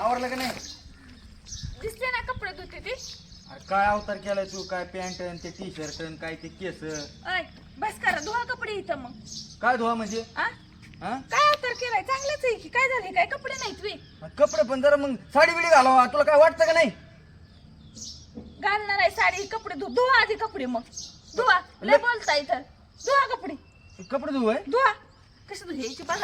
आवरलं का नाही? दिसते ना कपडे धुते ती. अरे काय अवतार केलाय तू? काय पॅन्ट आणि ते टी शर्ट काय ते केस? अय बस करा धुवा कपडे इथं मग. काय धुवा म्हणजे? आ हा? काय अवतार केलाय? चांगलंच आहे की. काय झाले? काय कपडे नाहीत वे कपडे पण जरा मग साडी बिडी घालावा. तुला काय वाटतं का नाही? घालणार आहे साडी कपडे धुवा आधी कपडे मग धुवा. लय बोलता इथं. धुवा कपडे कपडे धुवाय? धुवा. कशी धुयायची बघा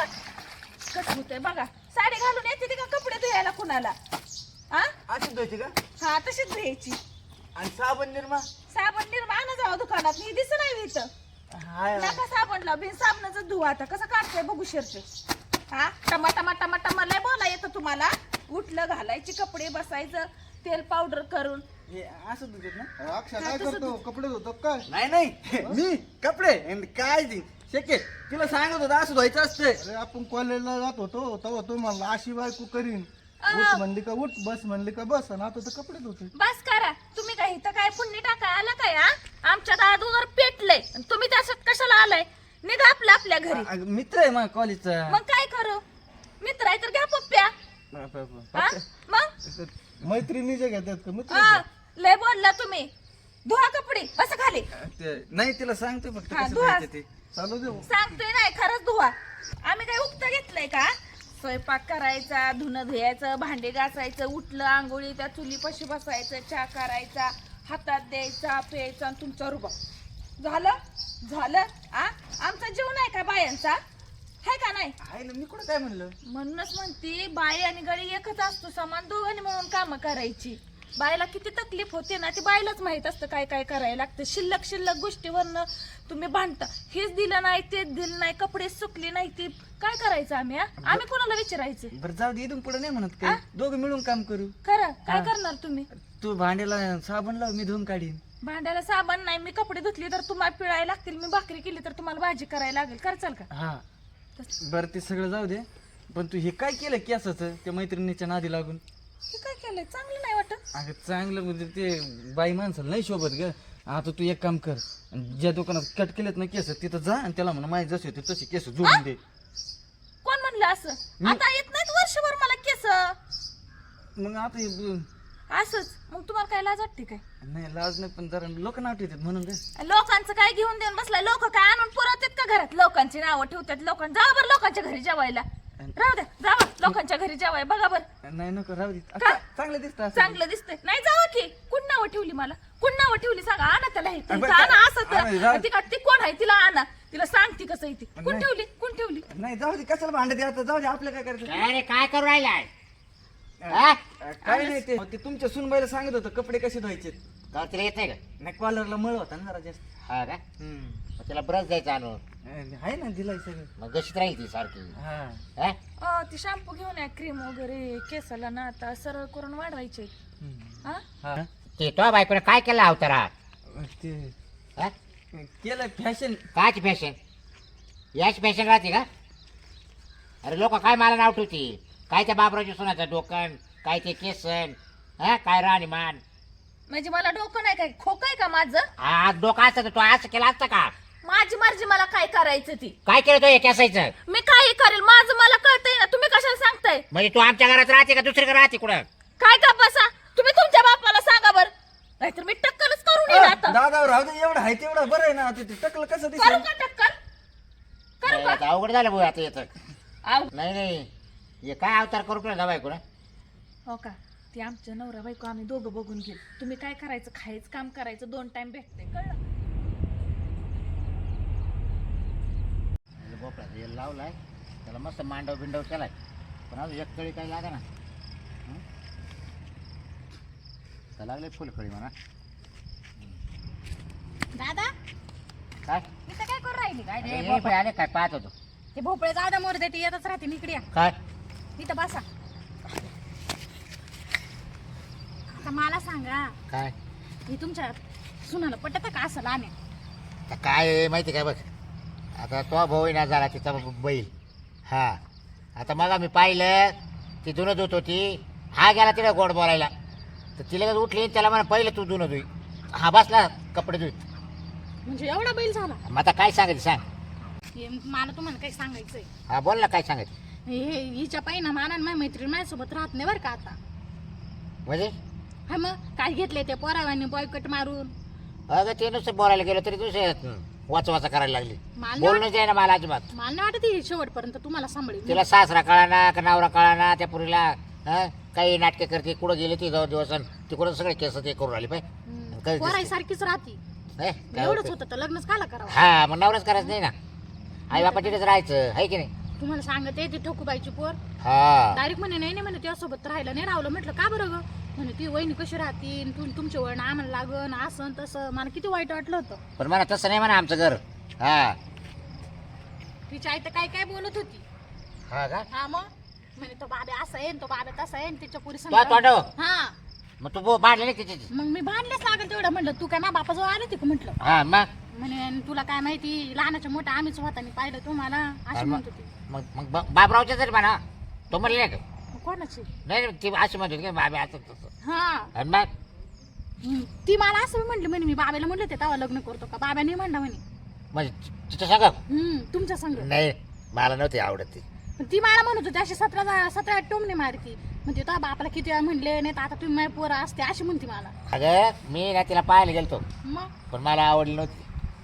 कसं होतंय बघा. साडी घालून येते ती का कपडे धुयायला कुणाला? हा अशीच धुवायची का? हा तशीच धुयायची. आणि साबण निर्मा? साबण निर्माण जावा दुकानात. मी दिसत नाही इथं. हाय नका साबणला बिन साबणाचं धुवा. आता कसं काढतंय बघू शर्ट. हा टमा टमा टमा टमा लय बोला येतं तुम्हाला. उठलं घालायचे कपडे बसायचं तेल पावडर करून. हे असं धुतात ना? अक्षय काय करतो? कपडे धुतो काय? नाही नाही मी कपडे आणि काय ते शक्य तिला सांगत होता असं धुवायचं असतं. अरे आपण कॉलेजला जात होतो तेव्हा तो म्हणला अशी बायको करीन. उठ म्हणली का उठ, बस म्हणली का बस, आणि आता तर कपडे धुतोय. बस करा तुम्ही. काय इथं काय पुण्य टाकाय आला काय? हा आमच्या दादूवर पेटलंय आणि तुम्ही त्याच्यात कशाला आलाय? निघा आपल्या आपल्या घरी. मित्र आहे मग कॉलेजचा. मग काय करू? मित्र आहे तर घ्या पप्प्या. हा? मग मैत्रिणीचे घेतात का मित्र? हा, लय बोलला तुम्ही. धुवा कपडे बस खाली. नाही तिला सांगतोय फक्त हा, कसं धुवा. धुवायचं ते. चालू दे. सांगतोय नाही खरंच धुवा. आम्ही काय उक्त घेतलंय का? स्वयंपाक करायचा, धुणं धुयाचं, भांडे घासायचं, उठलं आंघोळी त्या चुलीपाशी बसायचं, चहा करायचा, हातात द्यायचा, प्यायचा आणि तुमचा रुबा झालं झालं. आ आमचा जीव नाही का बायांचा? आहे का नाही? आहे ना, मी कुठं काय म्हणलं? म्हणूनच म्हणते बाई आणि गडी एकच असतो समान. दोघांनी म्हणून कामं करायची. बायला किती तकलीफ होते ना ती बायलाच माहित असतं काय काय करायला लागतं. शिल्लक शिल्लक गोष्टीवरनं तुम्ही भांडता. हेच दिलं नाही तेच दिलं नाही, कपडे सुकले नाही, ते काय करायचं आम्ही? आम्ही कोणाला विचारायचं? बरं जाऊ दे, इथून पुढे नाही म्हणत काय. दोघं मिळून काम करू. खरं काय करणार तुम्ही? तू भांड्याला साबण लाव, मी धुवून काढीन. भांड्याला साबण नाही. मी कपडे धुतली तर तुम्हाला पिळायला लागतील. मी भाकरी केली तर तुम्हाला भाजी करायला लागेल. करचाल का? हा बरं ते सगळं जाऊ दे. पण तू हे काय केलं केसाचं त्या मैत्रिणीच्या नादी लागून? हे काय केलंय? चांगलं नाही वाटत. अगं चांगलं म्हणजे ते बाई माणसाला नाही शोभत ग. आता तू एक काम कर, ज्या दुकानात कट केलेत ना केस तिथं जा आणि त्याला म्हणा माझे जसे होते तसे केस जोडून दे. कोण म्हणलं असं? आता येत नाहीत वर्षभर मला केस. मग आता असंच मग तुम्हाला काय लाज वाटते काय? नाही लाज नाही, पण जरा लोक नाव ठेवतात म्हणून काय. लोकांचं काय घेऊन देऊन बसलाय? लोक काय आणून पुरवतात का घरात? लोकांची नावं ठेवतात. लोकांना जावा बरं लोकांच्या घरी जेवायला. राहू द्या जावा लोकांच्या घरी जेवाय. बघा बरं नाही नको राहू दे. का? चांगलं दिसतं असं. चांगलं दिसतंय. नाही जावा की. कोण नावं ठेवली मला? कोण नावं ठेवली सांगा? आणा त्याला हे. बरं, आणा असं आणा, तर. ती का ती कोण आहे? तिला आणा. तिला सांगते कसं येते. कोण नाही. ठेवली? कोण ठेवली? नाही जाऊ दे, कशाला भांडत आता. जाऊ दे, आपलं काय करायचं. अरे काय करू राहिलाय? काय नाही ते तुमच्या सुनबाईला सांगत होतं कपडे कसे धुवायचे. का तिला येत नाही का? नाही कॉलरला मळ होता ना जरा जास्त. हा का? मग तिला ब्रश द्यायचा आणून. आहे ना दिलाय सगळं. मग गशीत राहील ती सारखी. हा हा? ती शॅम्पू घेऊन या, क्रीम वगैरे केसाला ना आता सरळ करून वाढवायचे. हा हा ते तो बायकोने काय केलं अवतारा? ते हा? केलं फॅशन. कायची फॅशन? याची फॅशन राहते का? अरे लोक काय मला नाव ठेवती? काय त्या बाबराच्या सोनाचं डोकन, काय ते केसन, हा काय राणीमान. म्हणजे मला डोकं नाही काय? खोकं आहे का माझं? हा डोकं असतं तर तो असं केलं असतं का? माझी मर्जी. मला काय करायचं ती काय केलं तो एक असायचं? मी काही करेल. माझं मला कळतंय ना. तुम्ही कशाला सांगताय? म्हणजे तू आमच्या घरात राहते का दुसरीकडे राहते कुठं? काय का बसा. तुम्ही तुमच्या बापाला सांगा बर. नाहीतर मी टक्कलच करून येईल आता. दादा राहू दे, एवढं आहे तेवढं बरं आहे ना. ते टकलं कसं करू दिसेल? का टक्कल? करू नाही, का? आता अवघड झालं भाऊ आता येतं. आव. नाही नाही हे काय अवतार करू तुला बायको ना? हो का? ती आमच्या नवरा बायको आम्ही दोघं बघून घेऊ. तुम्ही काय करायचं? खायचं काम करायचं. 2 टाइम भेटते. कळलं? भोपळा तेल लावलाय त्याला मस्त मांडव बिंडव केलाय पण अजून एक कळी काही लागा ना. तर लागले फुलकळी म्हणा. दादा काय मी तर काय करू राहिली? काय अरे, भोपळे आले काय पाहत होतो. ते भोपळे जादा मोर देते येतच राहते इकडे या. काय इथं बसा. आता मला सांगा काय मी तुमच्या सुनाला पटत का असं लहान? तर काय आहे माहिती काय बघ. आता तो भाऊ ना झाला तिचा बैल. हा आता मग मी पाहिलं ती धुणं धुत होती. हा गेला तिला गोड बोलायला तर तिला उठली त्याला म्हणा पहिलं तू धुणं धुई. हा बसला कपडे धुईत. म्हणजे एवढा बैल झाला? मग आता काय सांगायचं सांग. हे मला तुम्हाला काही सांगायचंय. हा बोल ना काय सांगायचं. हिच्या पायी ना माना माझ्या मैत्रीण माझ्यासोबत राहत नाही बरं का आता. म्हणजे हा मग काय घेतले ते पोरावानी बॉयकट मारून. अगं ते नुसतं बोलायला गेलं तरी दुसरे वाचा करायला लागली. मला बोलणंच आहे ना मला अजिबात. मला नाही वाटत ही शेवटपर्यंत तुम्हाला सांभाळेल. तिला सासरा कळाना का नवरा कळाना त्या पुरीला. हं? काही नाटके करते कुठं गेली ती 2 दिवस तिकडून सगळे केस ते करून राहिले पाहिजे. पोराई सारखीच राहती. एवढंच होतं तर लग्नच काला करावं. हा मग नवराच करायचं नाही ना. आई बापा तिथेच राहायचं आहे की नाही. तुम्हाला सांगते ती ठोकूबाईची पोर हा डायरेक्ट म्हणे नाही म्हणे त्यासोबत राहायला नाही राहिलं. म्हटलं का बरं ग. म्हणे ती वहिनी कशी राहतील तुमचे वळण आम्हाला लागन असं तसं. मला किती वाईट वाटलं होतं. पण मला तसं नाही म्हणा आमचं घर. हा तिची आई तर काय काय बोलत होती. हा का हा मग म्हणे तो बाबा असा आहे तो बाबा तसा आहे तिच्या पुरी तो तोंडव. हा मग तू बांधले नाही तिची. मग मी भांडलेच लागेल तेवढं. म्हटलं तू काय मा बापाजवळ आली होती का म्हटलं. हा मग म्हणे "आणि तुला काय माहिती लहानाच्या मोठा आम्हीच होतानी पाहिलं तुम्हाला अशी मग म्हणत होती. मग मग बाबरावच्या तरी म्हणा. तो म्हणले नाही का. मग कोणाची नाही ती अशी म्हणत होती की बाबा असं तसं. हा आणि मग ती मला असं म्हटली म्हणे मी बाबाला म्हटलं ते तेव्हा लग्न करतो का. बाबा नाही म्हणला म्हणे. म्हणजे तिच्या सांगा तुमच्या संग. नाही मला नव्हती आवडत ती. पण ती मला म्हणत होती अशी 17 टोमणे मारती. म्हणजे तो बापाला किती वेळा म्हणले नाही तर आता तुम्ही माझी पोरं असते अशी म्हणते मला. अगं मी ना तिला पाहायला गेलतो मग पण मला आवडली नव्हती.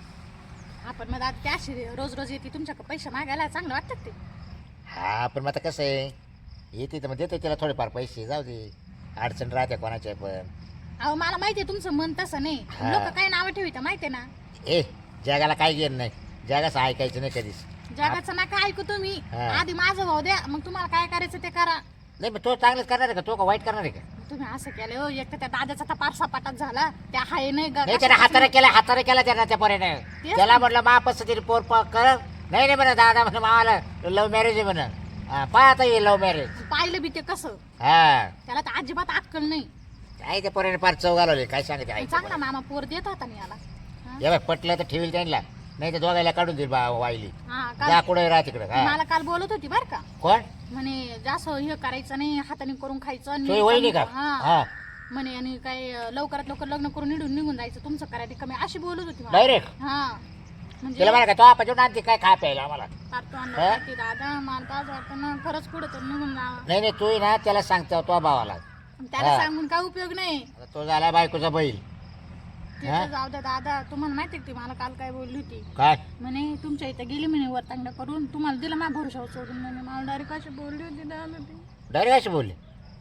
आपण मग आता त्या अशी रोज रोज येते तुमच्याकडे पैसे मागायला चांगलं वाटतं ते. हा पण मग आता कसं आहे येते तर मग देते तिला थोडेफार पैसे जाऊ दे. अडचण राहते कोणाच्या पण. अहो मला माहितीये तुमचं मन तसं नाही. हा. लोक काय नावं ठेवित माहितीये ना. ए जगाला काय घेणं नाही. जगाचं ऐकायचं नाही कधीच. जगाचं नका ऐकू तुम्ही. हा. आधी माझं भाऊ द्या मग तुम्हाला काय करायचं ते करा. नाही मग तो चांगलंच करणार आहे का तो का वाईट करणार आहे का. तुम्ही असं केलं हो. एक तर त्या दादाचा तपार सपाटात झाला त्या हाय नाही नाही त्याने हाताने केला त्यानं त्या पोरीने. तेच त्याला म्हटलं मा पद्धतीने पोर कर. नाही म्हणा दादा म्हणा मावाला लव्ह मॅरेज आहे म्हणा. पाय आता ये लव्ह मॅरेज. पाहिलं बी ते कसं. हा त्याला तर अजिबात अक्कल नाही. काय त्या पोरीने फार चव घालवली काय सांगते आई. चांगला मामा पोर देत होता ना याला. हा? हे बघ पटलं तर ठेवील त्यांना. नाही तर दोघायला काढून देईल वाईली. हा जा काल कुठे राहा तिकडे. हा मला काल बोलत होती बर का. कोण म्हणे जास्त हे करायचं नाही हाताने करून खायचं आणि तुझी वहिनी का. हा हा म्हणे आणि काय लवकरात लवकर लग्न करून निघून जायचं तुमचं करायला कमी अशी बोलत होती मला. डायरेक्ट हा म्हणजे तिला म्हणा का तो आपण आणते काय खा प्यायला आम्हाला. पारतो हा? आणलं की दादा मला तर आज वाटतं ना खरंच पुढे तर निघून जावं. नाही नाही तू ना त्याला सांगतो तो भावाला. त्याला हा. सांगून काय उपयोग नाही. आता तो झाला बायकोचा बैल. ते हा? तर जाऊ द्या दादा तुम्हाला माहिती आहे ती मला काल काय बोलली होती. काय म्हणे तुमच्या इथं गेली म्हणे वरतांगडा करून तुम्हाला दिलं माझ्या भरोशावर सोडून. म्हणे मला डायरेक्ट अशी बोलली होती दादा ती. डायरेक्ट अशी बोलली.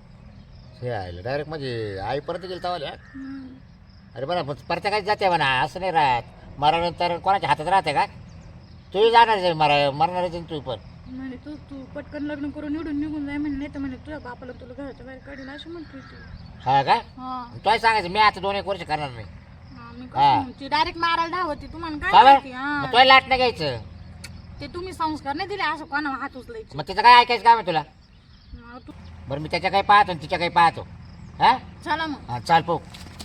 हे आयलं डायरेक्ट म्हणजे आई परत गेली तवाल्या. अरे बरं पण प्रत्येकाची जाते म्हणा असं नाही राहत. मरानंतर कोणाच्या हातात राहते का. तूही जाणार आहे मरणारच आहे तू पण. म्हणे तू पटकन लग्न करून निघून जाय म्हणे नाही तर म्हणे तुझ्या बापाला तुला घराच्या बाहेर काढील अशी म्हणते ती. हा का हा तोही सांगायचं मी आता 2-1 वर्ष करणार नाही. हा, मी हा. कसं ती डायरेक्ट मारायला धावती तुम्हाला काय का माहिती. बरं हा मग तोही लाट नाही घ्यायचं. ते तुम्ही संस्कार नाही दिले असं कोणा हात उचलायचे. मग तिचं काय ऐकायचं काम आहे तुला. हा, बरं मी त्याच्या काही पाहतो आणि तिच्या काही पाहतो. हा चला मग हा चाल पाहू.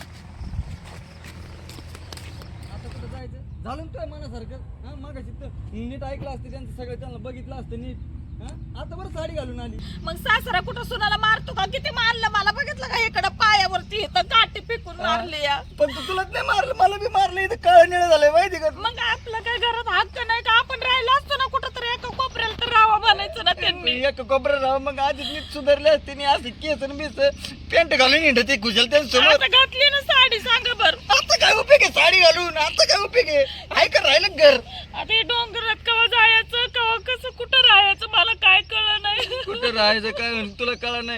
आता कुठं जायचं झालं ना तुझ्या मनासारखं. हा मागाशी तर नीट ऐकलं असतं त्यांचं सगळं त्यांना बघितलं असतं नीट. हा आता बरं साडी घालून आली. मग सासरा कुठं सुनाला मारतो का किती मारलं मला बघितलं का इकडं पायावरती इथं काठी पिकून मारली या. पण तू तुलाच नाही मारलं मला बी मारलं. इथं काळ निळ झालंय माहिती का. मग आपलं काय घरात हक्क नाही का आपण राहिलो असतो ना कुठं तरी एका कोपऱ्याला तर राहावं बनायचं ना त्यांनी. एक कोपऱ्यात राहा मग आधीच नीट सुधारले असते नी असे केस आणि बीस पॅन्ट घालून हिंडत ते कुशल त्यांच्यासमोर. आता घातली ना साडी सांगा बर. आता काय उपयोग आहे साडी घालून. आता काय उपयोग आहे. आहे का राहिलं घर. आता हे डोंगरात कवा जायचं कवा कसं कुठं राहायचं मला काय कळलं नाही. कुठं राहायचं काय तुला कळा नाही.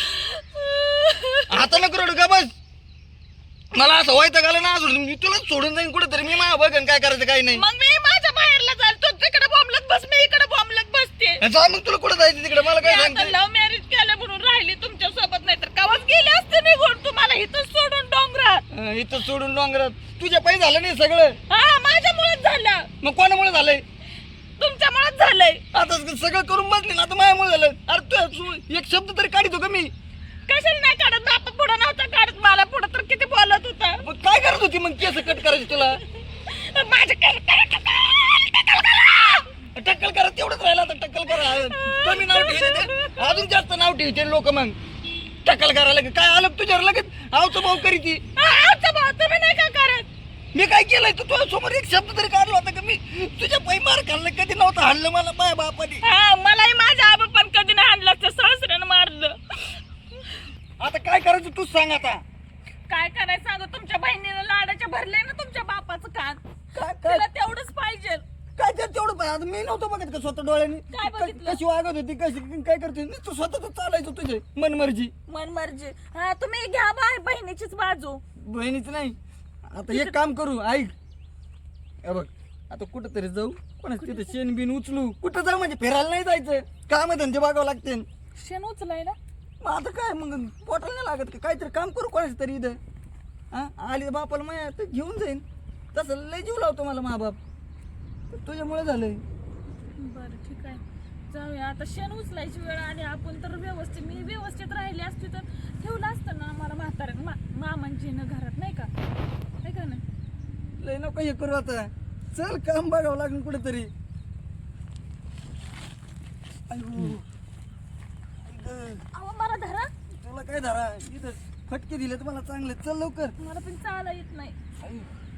आता नको रडू का बस. मला असं व्हायचं घालं ना अजून मी तुला सोडून जाईन कुठं तरी. मी माझ्या बघन काय करायचं काही नाही. मग मी माझ्या बाहेरला चालतो तिकडे बॉम्बलत बस मी इकडे बॉम्बलत बसते. जा मग तुला कुठं जायचं तिकडे मला काय मी आता सांगते. लव्ह मॅरेज केलं म्हणून राहिली तुमच्या सोबत नाही तर कवाच गेले असते निघून तुम्हाला इथं सोडून डोंगरात. इथं सोडून डोंगरात तुझ्या पायी झालं नाही सगळं. हा माझ्यामुळेच झालं. मग कोणामुळे झालंय. तुमच्यामुळेच झालंय. आता सगळं करून बसले ना आता माझ्यामुळे झालं. अरे तू एक शब्द तरी काढतो का मी. कशाला नाही काढत बापा पुढं नव्हता काढत मला पुढं तर किती बोलत होता. मग काय करत होती मग केस कट करायची तुला. माझे टक्कल करा तेवढंच राहिलं. आता टक्कल करा कमी नाव ठेवते अजून जास्त नाव ठेवते लोक. मग टक्कल करायला काय आलं तुझ्यावर लगेच आवतो भाऊ करी ती. तुम्ही नाही का करत. मी काय केलंय तू तुझ्या समोर एक शब्द तरी काढला होता का मी. तुझ्या पायी मार खाल्लं कधी नव्हतं हाणलं मला माझ्या बापाने. हा मलाही माझ्या आई पण तूच सांग आता काय करायचं सांगू, तुमच्या बहिणीला लाडाच्या भरले ना तुमच्या बापाचं कान. काय काय तिला तेवढंच पाहिजे. काय तर तेवढं पाहिजे. आता मी नव्हतं बघत का स्वतः डोळ्याने काय बघितलं? कशी वागत होती कशी काय करते तू स्वतः चालायचं तुझे मनमर्जी. मनमर्जी. हा तुम्ही घ्या बहिणीचीच बाजू. बहिणीच नाही. आता एक काम करू ऐक हे बघ आता कुठं तरी जाऊ कोणाच तिथे शेण बिन उचलू कुठं जाऊ म्हणजे फिरायला नाही जायचं काम धंदे बघावं लागते शेण उचलाय ना. मग आता काय मग पोटाला नाही लागत का काहीतरी काम करू कोणाच तरी इथं हा आली बापाला माया तर घेऊन जाईन तसं लय जीव लावतो मला मा बाप तुझ्यामुळे झालंय. बरं ठीक आहे जाऊया आता. शेण उचलायची वेळ आली आपण तर व्यवस्थित मी व्यवस्थित राहिली असती तर ठेवलं असतं ना मला म्हाताऱ्या मामांजीनं घरात नाही का नाही का नाही. लय नको हे करू आता चल काम बघावं लागेल कुठेतरी. अहो मला धरा. तुला काय धरा इथं फटके दिले तुम्हाला चांगले चल लवकर. मला पण चाला येत नाही.